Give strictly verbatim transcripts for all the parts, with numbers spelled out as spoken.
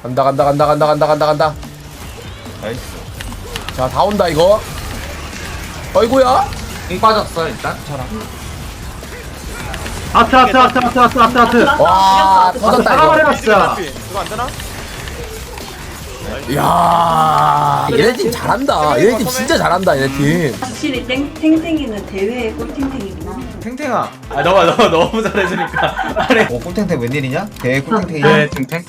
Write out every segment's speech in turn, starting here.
간다 간다 간다 간다 간다 간다 간다. 나이스. 자 다 온다 이거. 어이구야. 공 빠졌어 일단. 아트 아트 아트 아트 아트 아트 아트. 와 터졌다 이거. 살아버려 진짜. 이거 안 되나? 이야 얘네 팀 잘한다. 얘네 팀 진짜 잘한다 얘네 팀. 확실히 땡, 탱탱이는 대회의 꿀탱탱이구나. 탱탱아. 아 너가 너 너무 잘해주니까. 아니. 오 꿀탱탱 웬일이냐? 대 꿀탱탱이. 네 탱탱.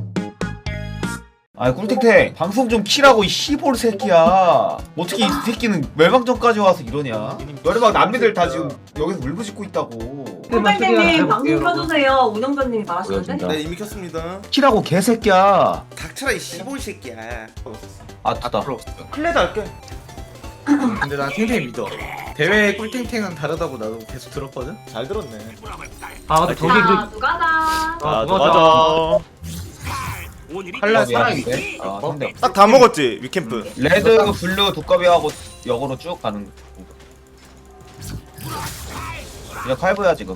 아이 꿀탱탱 방송 좀 키라고 이 씨볼 새끼야. 어떻게 이 새끼는 멸망전까지 와서 이러냐? 너네 막 남미들 다 지금 여기서 울부짖고 있다고. 꿀탱탱님 방송 켜주세요. 운영자님이 말하시는데. 네 이미 켰습니다. 키라고 개새끼야. 닥쳐라 이 씨볼 새끼야. 아 됐다. 클레드 할게. 근데 난 탱탱이 믿어. 대회 꿀탱탱은 다르다고 나도 계속 들었거든. 잘 들었네. 아 근데 저기 자, 그 누가다. 아 누가 맞아. 칼날 두꺼비 살아있지. 하는데? 아 상대. 딱 다 먹었지 위캠프. 레드 블루 두꺼비하고 역으로 쭉 가는. 이제 칼부야 지금.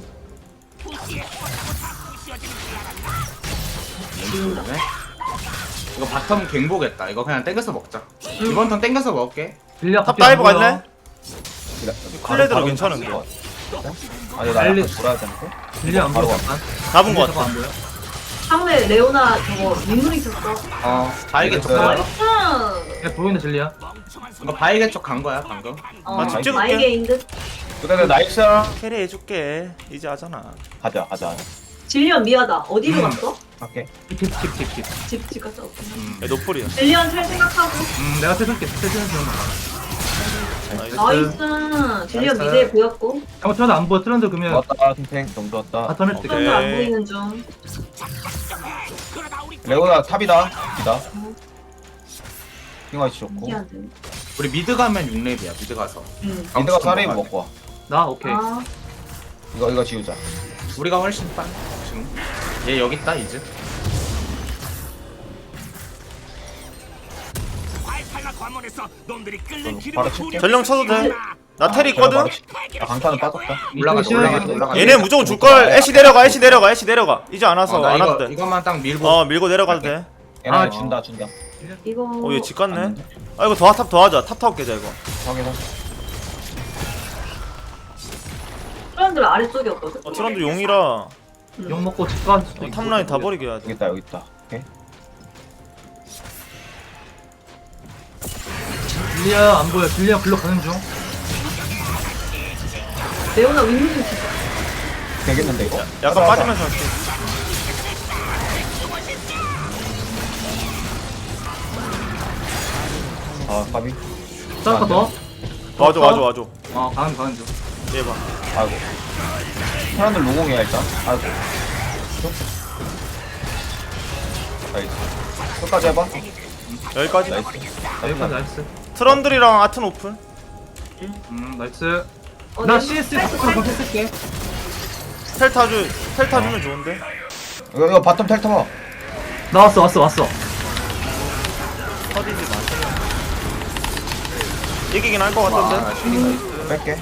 이거 바텀 갱보겠다. 이거 그냥 땡겨서 먹자. 이번 턴 땡겨서 먹을게. 빌려 탑 다이브 갔네. 클레드로 바로 괜찮은데. 아니 나 빨리- 약간 돌아야 되는데. 빌려 안 바로 보여. 가. 잡은 거 저거 같아. 안 보여. 상대 레오나 저거 민물이 있었어. 어. 바이게 쪽. 네. 나이스. 야 보이는 진리야. 이거 바이게 쪽 간 거야 방금. 어, 아, 집 찍을게. 마이게인 듯. 그다음에 나이스. 캐리 해줄게. 이제 하잖아. 가자 가자. 질리언 미하다. 어디로 갔어? 갈게. 킵킵킵킵. 집, 집 갔다 왔구나. 야 노플이야. 질리언 잘 생각하고. 음 내가 태줄게. 태주는 중. 나이스. 나이스. 질리언 나이스. 미드에 보였고. 잠깐 트런드 안 보여. 트런드 그러면 왔다 탱탱 정도 왔다. 바텀 할 때. 트런드 안 오케이. 보이는 중. 레오나 탑이다. 이다. 핑화이치 좋고. 신기한데. 우리 미드 가면 육 렙이야. 미드 가서. 응. 미드가 사레임 먹고 와. 나 오케이. 아, 이거 이거 지우자. 우리가 훨씬 빨. 지금. 얘 여기 있다 이제. 바로 칠게. 전령 쳐도 돼. 나 테리 있거든. 아 강타는 빠졌다. 올라가자 올라가자 올라가자. 얘네 무조건 줄 걸. 애쉬 내려가. 애쉬 내려가. 애쉬 내려가. 이제 안 와서 어, 나 안 이거 와도 돼. 이것만 딱 밀고. 어 밀고 내려가도 돼. 얘네 아, 준다 준다. 이거. 어 얘 집 갔네. 아 이거 더탑 더 하자. 탑 타고 깨자 이거. 확인하. 트런들 아래쪽이었거든. 어 트런드 용이라 욕 먹고 집 갈 수도 어, 있고. 탑라인 다 버리게 해야 돼. 여기 있다 여기 있다. 오케이. 빌려 안 보여. 빌려 글로 가는 중. 레오나 윈윈 집. 되겠는데 이거? 약간 빠지면서 할게. 아 까비. 싸울까 더? 와줘 와줘 와줘. 어 가는 가는 중. 얘 봐. 아이고. 사람들 로공이야 일단. 아이고. 나이스. 끝까지 해봐. 여기까지. 나이스. 나이스 나이스. 트런들이랑 아튼 오픈. 음 나이스. 어, 나 내- 씨에스 한번 했을게. 텔 타주 텔 타주면 좋은데. 이거 이거 바텀 텔 타봐. 나 왔어 왔어 왔어. 터지지 마. 이기긴 할 것 같은데. 뺄게.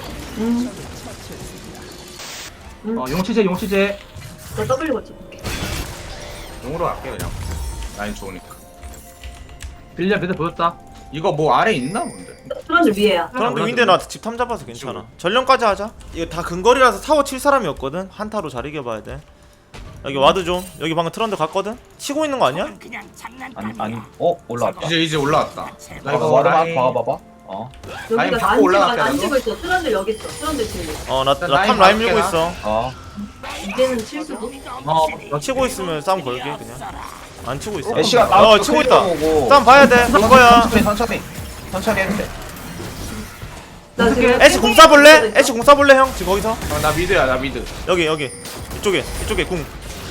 어 용치제 용치제. 나 W 거치 볼게. 용으로 갈게 그냥. 라인 좋으니까. 빌려 미드 보였다. 이거 뭐 아래 있나 본데. 트런들 위에야. 트런드 윈데 나 집 탐 잡아서 괜찮아. 전령까지 하자. 이거 다 근거리라서 타워 칠 사람이었거든. 한타로 잘 이겨봐야 돼. 여기 와드 좀. 여기 방금 트런드 갔거든. 치고 있는 거 아니야? 아니 아니. 어 올라왔다. 이제 이제 올라왔다. 나 아, 이거 와드만 라인. 박아봐봐. 어. 라인 여기가 바꿔 안 올라갈게, 찍어, 안 나도. 찍고 있어. 트런들 여기 있어. 트런들 지금. 어나 일단 나 탑 라인 라인 밀고 막을게, 있어. 어. 이제는 칠 수도. 어 치고 있으면 싸움 걸게 그냥. 안 치고 있어. 애쉬가 어 치고 있다. 싸움 봐야 돼. 볼 거야. 천천히 천천히. 천천히 해도 돼. 나 지금. 애쉬 공 쏴볼래? 애쉬 공 쏴볼래 형? 지금 거기서? 어, 나 미드야 나 미드. 여기 여기 이쪽에 이쪽에 궁.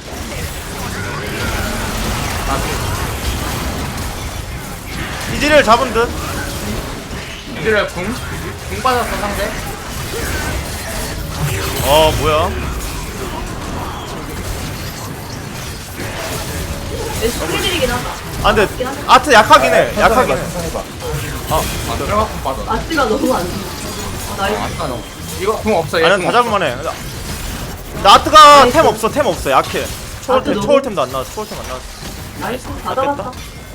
이지를 잡은 듯. 미드를 궁. 궁 빠졌어 상대. 어 뭐야? 스킬들이긴 하다. 아 근데 아트 약하긴 해. 약하긴 해. 천천히 봐. 아 들어가 궁 빠졌어. 아스가 너무 안 좋아. 어, 나이스. 아까 너. 이거 궁 없어 얘. 아니 궁 다 없어. 잡을만 해. 나 아트가 템 없어 템 없어 약해. 초월템 아트 너무- 초월템도 안 나왔어. 초월템 안 나왔어. 나이스 받아봤다.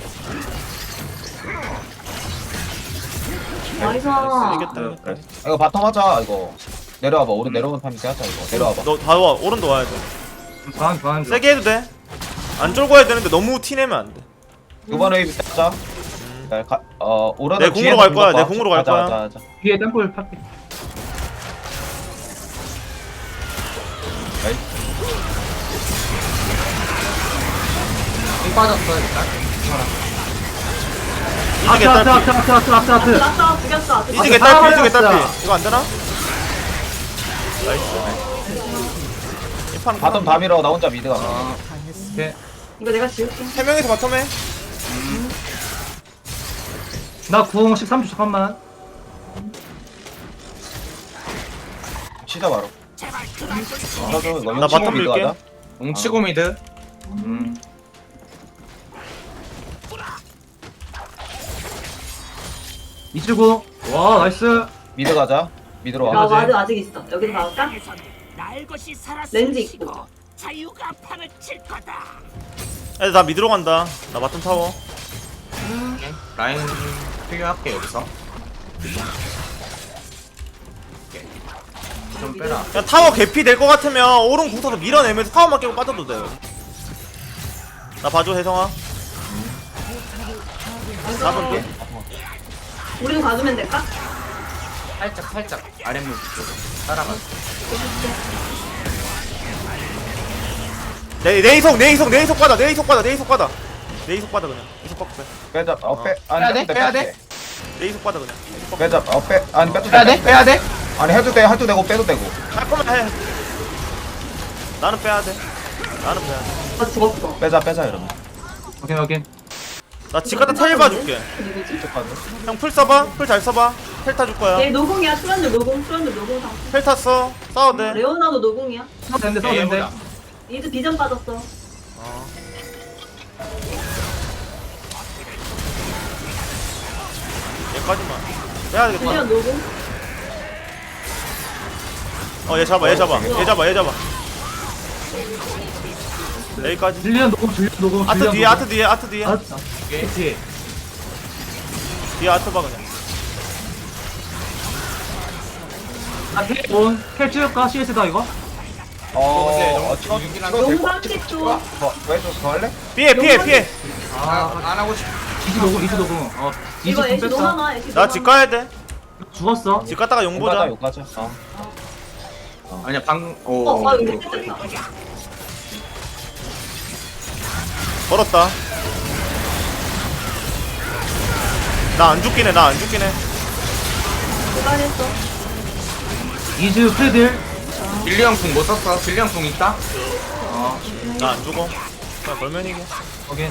나이스. 이겼다 이겼다. 그래. 이거 바텀 하자 이거. 내려와봐. 오른 내려오는 타임에 하자 이거. 내려와봐. 너 다 와. 오른도 와야 돼. 가는 가는 중. 세게 해도 돼. 안 쫄고 해야 되는데 너무 티 내면 안 돼. 이번 웨이브 하자. 자, 가, 어 오른 내 궁으로 갈 거야, 내 궁으로 갈 거야. 하자, 하자. 뒤에 땡골 팔게. 공 빠졌어 일단. 이즈 아트 아트 아트 개딸피. 아트 아트 아트 아트. 났다 죽였어. 이즈 아, 개딸피. 이즈 살아버렸어. 개딸피. 이거 안 되나? 나이스. 이판 바텀 다 밀어. 나 혼자 미드 가. 오케이. 이거 내가 지울게. 세 명이서 바텀에. 나궁 십삼 초 잠깐만. 치자 바로. 나도 이거 나 용치고 바텀 미드 밀게. 가자. 뭉치고 미드. 음. 이칠구. 와 나이스. 미드 가자. 미드로 나 와. 맞아. 와드 아직 있어. 여기서 나올까? 렌즈 있고. 애들 나 미드로 간다. 나 바텀 타워. 라인 필요할게 여기서. 좀 빼라. 그냥 타워 개피 될 것 같으면 오른 궁 타서 밀어내면서 타워만 깨고 빠져도 돼. 나 봐줘 혜성아. 나볼게. 우리도 가주면 될까? 살짝 살짝 아랫물 쪽으로 따라가. 내, 내 이속 내 이속 내 이속 받아 내 이속 받아 내 이속 받아 내 이속 받아 그냥 이속 받고 빼. 빼자. 어 빼. 빼야 아니 돼? 빼도 빼야 빼도 돼? 내 이속 받아 그냥 이속 받고 빼자. 어 빼. 아니 빼도 빼야 돼. 돼? 빼야 돼? 아니 해도 돼. 해도 되고 빼도 되고. 할 거면 해. 나는 빼야 돼. 나는 빼야 돼. 나 죽었어. 빼자 빼자 이러면. 오케이 오케이. 나 집 갔다 텔 봐줄게. 누구지? 형 풀 써봐. 풀 잘 써봐. 텔 타줄 거야. 얘 노공이야. 트런드 노공. 트런드 노공 상. 텔 탔어. 싸워도 돼. 레오나도 노공이야. 싸워 된대 싸워 된대. 얘보다. 이즈 비전 빠졌어. 얘까지만. 빼야 되겠다. 비전 노공. 어 얘 잡아 얘 잡아 얘 잡아 얘 잡아. 여기까지. 질리언 녹음 질리언 녹음. 아트 뒤에 아트 뒤에 아트 뒤에 아트. 그렇지. 뒤에 아트 봐 그냥. 아온 캘 찍을까? 씨에스다 이거? 어. 근데 어 너무 찍어 죽이긴 찍어도 될것 용삼 찍죠. 더 왜좀 더 할래? 피해 피해 피해. 아, 안 하고 싶어. 이즈 녹음 이즈 녹음. 어 이즈 이거 좀 애쉬 너무 뺐어. 많아. 애쉬 나 집 가야 돼. 죽었어. 집 갔다가 용 욕 가자 보자. 욕 가자. 어. 아니야 방. 어, 오. 아 이거 뺐다. 걸었다. 나 안 죽긴 해. 나 안 죽긴 해. 고발했어. 이즈 프레딜. 빌리언 궁 못 썼어. 빌리언 궁 있다. 어 나 안 죽어. 그냥 걸면 이겨. 오케이.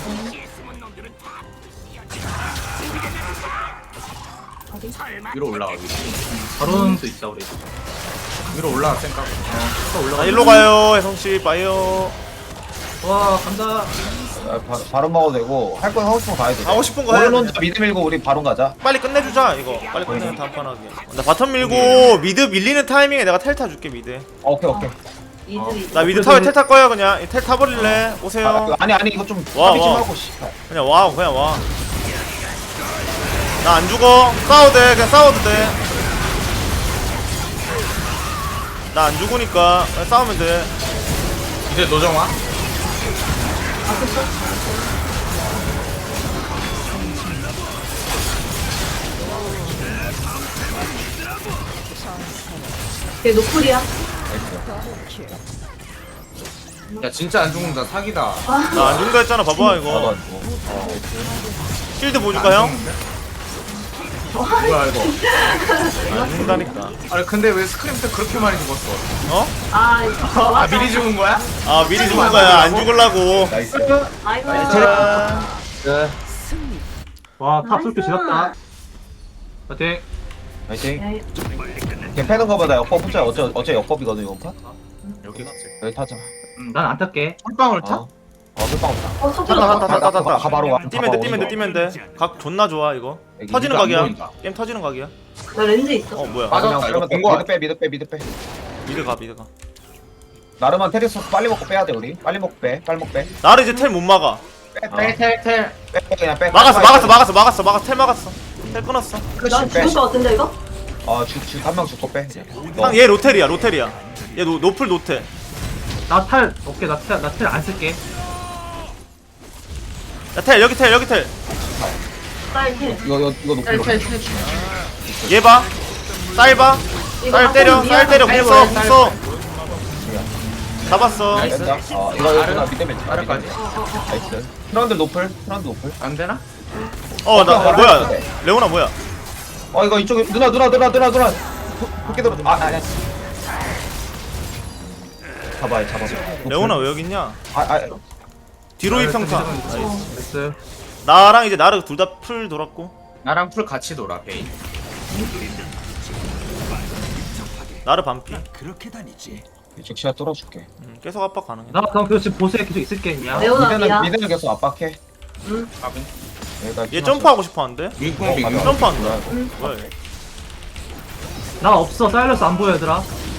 위로 올라가. 위로, 바론도 있다 우리. 위로 올라가 생각. 또 올라가. 나 일로 가요. 혜성씨 빠이요. 와 간다. 아, 바, 바로 먹어도 되고 할 거 하고 싶은 거 가야 돼. 하고 싶은 거 해야 오른 돼. 혼자 미드 밀고 우리 바로 가자. 빨리 끝내주자 이거. 빨리 끝내면 다음 판 하게. 나 바텀 밀고 미드 밀리는 타이밍에 내가 텔 타줄게 미드. 어, 오케이 오케이. 이즈 이즈. 나 미드 타워에 텔 탈 거야 그냥. 이 텔 타버릴래? 오세요. 아, 아니 아니 이거 좀 와, 합의 좀 와. 하고 씨발. 그냥 와 그냥 와. 나 안 죽어. 싸워도 돼. 그냥 싸워도 돼. 나 안 죽으니까 그냥 싸우면 돼. 이제 노정화. 걔 노플이야. 야 진짜 안 죽는다. 사기다. 나 안 죽는다 했잖아. 봐봐 나도 이거. 안 죽어. 실드 보여줄까 형? 뭐야 이거. 안 죽는다니까. 아니 근데 왜 스크림 때 그렇게 많이 죽었어? 어? 아 이거. 아 미리 죽은 거야? 아 미리 죽은 거야. 안 죽으려고. 나이스. 아이고. 자, 와탑 솔표 지렸다. 파이팅. 파이팅. 야, 걔 패는 거보다 역법 혼자 어째 어째 역법이거든 이번 판. 여기 갔지. 여기 타자. 음, 난 안 탈게. 홀방울 타? 어. 어, 그 빵. 어 속 탔다 들어갔다. 탔다 탔다 탔다. 가 바로 가. 뛰면 돼 뛰면 돼 뛰면 돼. 각 존나 좋아 이거. 여기 터지는 이거 안 각이야. 보인다. 게임 터지는 각이야. 나 렌즈 있어. 어 뭐야? 아, 그냥 맞았다. 이거 그러면 본거 미드 빼 미드 빼 미드 빼. 미드 가 미드 가. 나르만 테리스 빨리 먹고 빼야 돼 우리. 빨리 먹고 빼. 빨리 먹고 빼. 나를 이제 텔 못 막아. 텔텔텔. 빼 그냥 빼. 막았어 막았어 막았어 막았어 막았어 텔 막았어 텔 끊었어 난 죽을 것 같은데 이거? 어죽죽한명 죽고 빼. 형 얘 로텔이야 로텔이야 얘 노, 노플 노텔 나탈 오케이 나탈나탈 안 쓸게. 야텔 여기 텔 여기 텔 쌀 힐. 이거 이거 이거 높이 높이. 얘 봐. 쌀 봐. 이거 쌀 때려. 한번 쌀 때려. 쌀 궁 써. 보여, 궁 쌀 써. 잡았어. 나이스. 됐다. 어 이거 이거 나 밑에 맺지. 아래까지. 나이스. 트런들 노플. 트런들 노플. 안 되나? 어, 나 어, 뭐야? 레오나 뭐야? 어 이거 이쪽에 누나 누나 누나 누나 누나. 그렇게 들어. 아 아니야. 잡아요 잡아. 레오나 왜 여기 있냐? 아아 뒤로 이 평타. 나이스. 나랑 이제 나르 둘 다 풀 돌았고. 나랑 풀 같이 놀아 베인. 나르 반피. 이쪽 시야 뚫어줄게. 음, 계속 압박 가능해. 나 그럼 그 지금 보스에 계속 있을게 그냥. 레오나 미드는 미야. 미드는 계속 압박해. 응. 여기다 얘 점프하고 싶어 하는데? 윙공 어, 윙공. 맞아. 점프한다. 뭐야? 얘? 나 없어. 사일러스 안 보여 얘들아.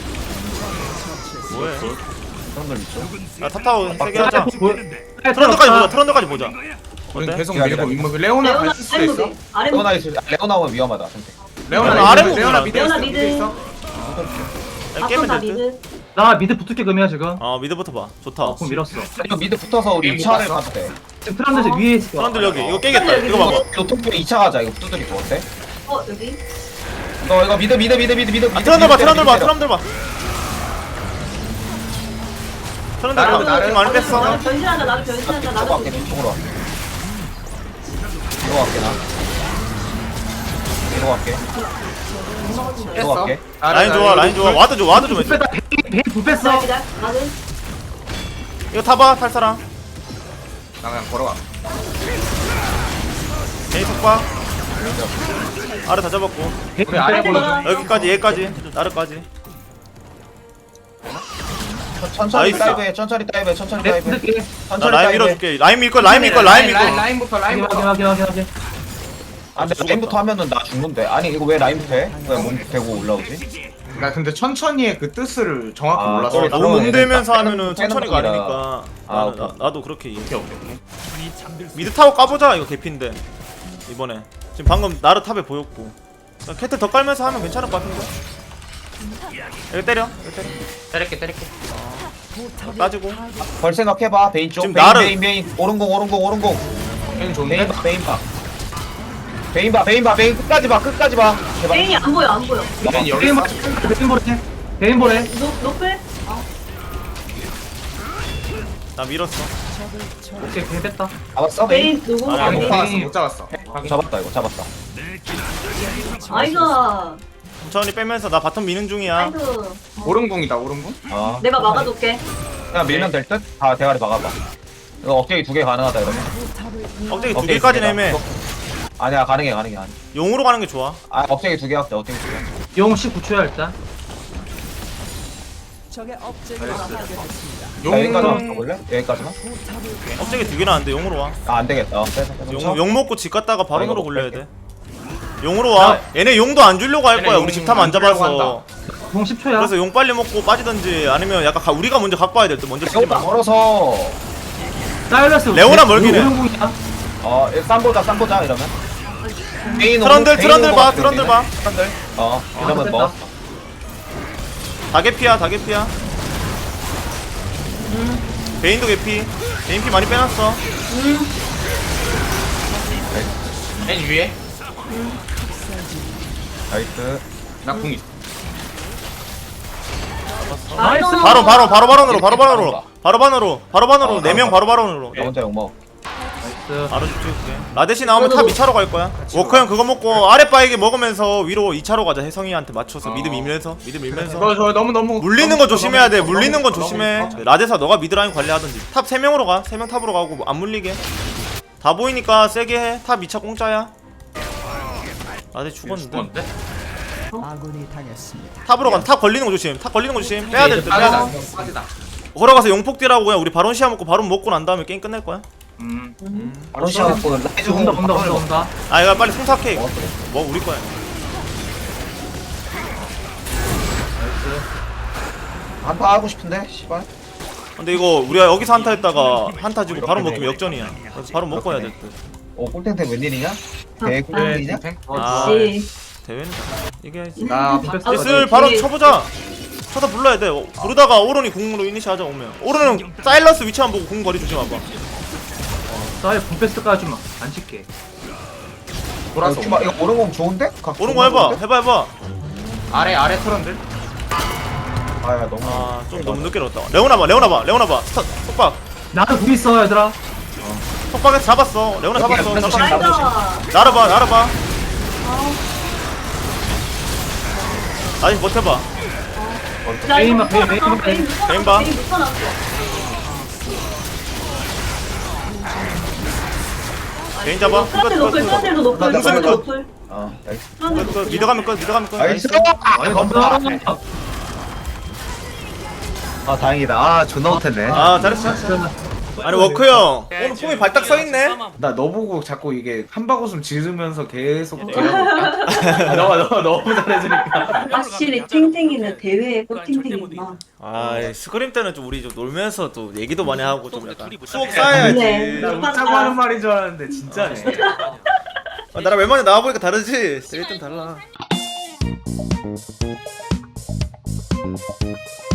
뭐해? 트런들 있죠. 야 탑타워 세개 하자. 보여. 트런드까지 보자. 트런드까지 보자. 우린 어때? 계속 기다려, 밀고 기다려. 윙공. 레오나 레오나 갈수 있어. 쌀무비. 아래 레오나 있을 레오나 오면 위험하다. 선택. 레오나 레오나 아래 레오나 부분이라. 미드 레오나 있어. 미드. 미드 있어. 야, 앞선 깨면 다 될 듯? 미드. 나 미드 붙을게 금이야 지금. 어 미드부터 봐. 좋다. 어, 그럼 밀었어. 이거 미드 붙어서 우리 게임 이 차를 못 가도 돼. 지금 트란드에서 위에 있을 거야. 트런들 여기. 이거 깨겠다. 이거 봐봐. 이거 토끼 이 차 가자. 이거 두드리고 어때? 어 여기. 너 이거 미드 미드 미드 미드 미드. 아 트런들 봐. 트런들 봐. 트런들 봐. 트런들 나르, 봐. 나르. 힘 많이 뺐어. 나를 변신한다. 나를 변신한다. 이쪽으로 나를 갈게. 변신. 이쪽으로 와. 이거 갈게 나. 이거 갈게. 이거 뺐어. 갈게. 라인 좋아. 라인 좋아. 와드 줘. 와드 좀 불 해줘. 뺐다. 베인 불 기다려 뺐어. 기다려. 나는 이거 타봐. 탈 사람. 나 그냥 걸어가. 제이 속박. 아래 다 잡았고. 베인 우리 아래 불 걸어줘. 뺐어. 여기까지 얘까지. 나르까지. 천천히 나이스. 다이브해. 천천히 다이브해. 천천히 내 다이브해. 붙을게. 나 천천히 라인 다이브해. 밀어줄게. 라인 밀 거. 라인 밀 거. 라인 밀 거. 라인 라인부터 확인 라인부터. 확인 확인 확인 확인. 아 근데 라인부터 하면은 나 죽는데. 아니 이거 왜 라인부터 해? 왜 몸 대고 올라오지? 나 근데 천천히의 그 뜻을 정확히 아, 몰랐어. 쏘리. 너무 몸대면서 빼는- 하면은 빼는 천천히 거기라. 가리니까. 아, 나는, 오케이. 나, 나도 그렇게 이해. 오케이 오케이 오케이. 미드 타워 까보자. 이거 개피인데. 이번에. 지금 방금 나르 탑에 보였고. 그냥 캐틀 더 깔면서 하면 괜찮을 것 같은데. 여기 때려. 여기 때려. 때릴게 때릴게. 따지고. 벌 생각해봐. 베인 쪽. 지금 베인 나를- 베인 베인. 오른공 오른공 오른공. 베인 좋은데? 베인 봐 베인 봐. 베인 봐 베인 봐 베인 끝까지 봐 끝까지 봐. 제발. 베인이 안 보여 안 보여. 베인 여기 베인 있어. 보래. 베인 보래. 베인 보래. 노 노플. 나 밀었어. 오케이 베인 뺐다. 잡았어 베인. 베인 누구? 아니, 아, 아니, 못 베인. 잡았어 못 잡았어. 확인. 잡았다 이거 잡았다. 아이가. 천천히 빼면서 나 바텀 미는 중이야. 아이고. 오른궁이다 오른궁. 어. 내가 막아둘게. 그냥 밀면 될 듯? 다 대가리 막아봐. 이거 억제기 두 개 가능하다 이러면. 억제기 두 억제기 개까지는 두 개다. 애매. 아니야 가능해 가능해 가능해. 용으로 가는 게 좋아. 아 억제기 두 개 할게 억제기 두 개. 용 십구 초야 일단. 용. 아, 여기까지만 가볼래? 여기까지만? 억제기 두 개는 안 돼. 용으로 와. 아 안되겠다. 어, 빼서 빼서. 용, 용 먹고 집 갔다가 아, 바론으로 이거 굴려야 뺄게. 돼. 용으로 와. 얘네 용도 안 주려고 할 얘네 거야. 용 우리 집 탐 안 안 주려고 잡아서. 용 십 초야. 그래서 용 빨리 먹고 빠지든지 아니면 약간 가, 우리가 먼저 갖고 와야 될 때 먼저 치지 레오나 마. 걸어서 사일러스. 레오나 멀긴 해. 오른궁이야. 어 쌈보자 쌈보자 이러면. 베인 트런들 오른- 베인 트런들 오른 봐. 것 같아, 트런들 우리는. 봐. 트런들. 어 이러면 됐다. 뭐. 다개피야. 다개피야. 베인도 개피. 베인 피 많이 빼놨어. 베인 위에. 나이스. 나궁 있어. 나이스. 바로 바로 바로 바론으로 바로 바론으로 바로 바론으로 바로 바론으로 어, 네 명 어. 바로 바론으로. 나 혼자 욕먹. 나이스. 바로 쭉 찍을게. 라데시 나오면 탑 이 차로 갈 거야. 워커 형 그거 먹고 아랫바에게 먹으면서 위로 이 차로 가자. 혜성이한테 맞춰서 어. 미드 밀면서 미드 밀면서. 저 저 너무 너무. 물리는 너무 거 있어, 조심해야 돼. 너무 있어, 물리는 건 너무 있어, 조심해. 너무 있어. 라데사 너가 미드라인 관리하든지. 탑 세 명으로 가. 세 명 탑으로 가고 안 물리게. 다 보이니까 세게 해. 탑 이 차 공짜야. 라데 죽었는데. 죽었는데? 탑으로 가. 탑 걸리는 거 조심. 탑 걸리는 거 조심. 빼야 될 듯. 빼야 빠지다. 돼. 빠지다. 걸어가서 용폭딜하고 그냥 우리 바론 시야 먹고 바론 먹고 난 다음에 게임 끝낼 거야. 음. 바로 시작하고 라이즈 온다 온다 온다 온다. 아 이거 빨리 승탁해 이거. 어, 그래. 뭐 우리 거야. 한파 하고 싶은데 씨발. 근데 이거 우리가 여기서 한타 했다가 한타 지고 바로 먹으면 역전이야. 그래서 바로 먹고 해야 될 듯. 어 꿀탱탱 웬일이냐? 대 네, 꿀탱탱이냐? 탱탱. 아, 역시. 대회는 이겨야지. 나 아, 슬 그 바로 뒤에- 쳐보자. 쳐다 불러야 돼. 어, 부르다가 오른이 궁으로 이니시 하자 오면. 오른은 사일러스 위치만 보고 궁 거리 조심해봐. 사이 분패스까지 좀안 칠게. 돌아서 이거 이거 오른공 좋은데? 각 오른 거 해봐. 좋은데? 해봐 해봐. 아래 아래 트런들. 아야 너무. 아 좀 너무 늦게 넣었다. 레오나 봐. 레오나 봐. 레오나 봐. 스타 속박. 나도 궁 있어 얘들아. 속박에서 잡았어. 레오나 잡았어. 조심, 잡았어. 나이스. 나를 봐. 나를 봐. 아니 버텨봐. 야, 이거 베인만, 베인, 묶어놨어. 베인, 베인 묶어놨어. 베인 봐. 베인 묶어놨어. 개인 잡아. 트런드 끝, 노플, 끝, 트런드 끝. 노플, 끝, 트런드 끝. 노플. 어 나이스. 트런드 끝, 끝. 노플. 미드 가면 끝. 미드 가면 끝. 나이스. 아니 감사. 아 다행이다. 아 존나 못했네. 아 잘했어. 잘했어. 아니 워크 형 오늘 폼이 발딱 서 있네. 나 너 보고 자꾸 이게 한바구음 지르면서 계속 아, 너가 너 너무 잘해주니까. 확실히 탱탱이는 대회의 꿀탱탱이구나. 아 스크림 때는 좀 우리 좀 놀면서 또 얘기도 많이 하고 좀 약간 수업 네. 쌓아야지. 나 웃자고 하는 말인 줄 알았는데 진짜네. 아, 나랑 웬만히 나와보니까 다르지. 일단 달라.